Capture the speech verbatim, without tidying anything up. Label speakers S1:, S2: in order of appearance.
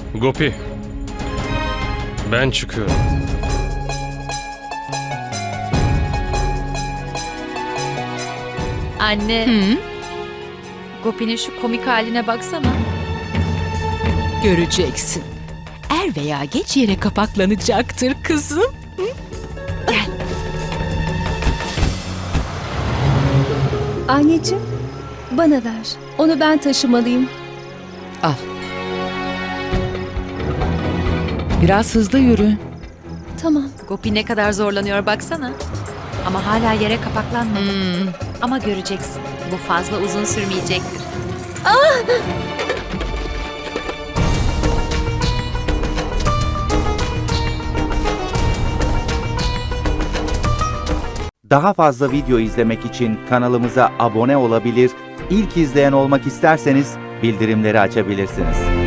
S1: Gopi, ben çıkıyorum.
S2: Anne,
S3: Hı?
S2: Gopi'nin şu komik haline baksana.
S3: Göreceksin. Er veya geç yere kapaklanacaktır kızım.
S4: Anneciğim, bana ver. Onu ben taşımalıyım.
S3: Al. Biraz hızlı yürü.
S4: Tamam.
S2: Gopi ne kadar zorlanıyor baksana. Ama hala yere kapaklanmadı.
S3: Hmm.
S2: Ama göreceksin. Bu fazla uzun sürmeyecektir.
S5: Daha fazla video izlemek için kanalımıza abone olabilir, ilk izleyen olmak isterseniz bildirimleri açabilirsiniz.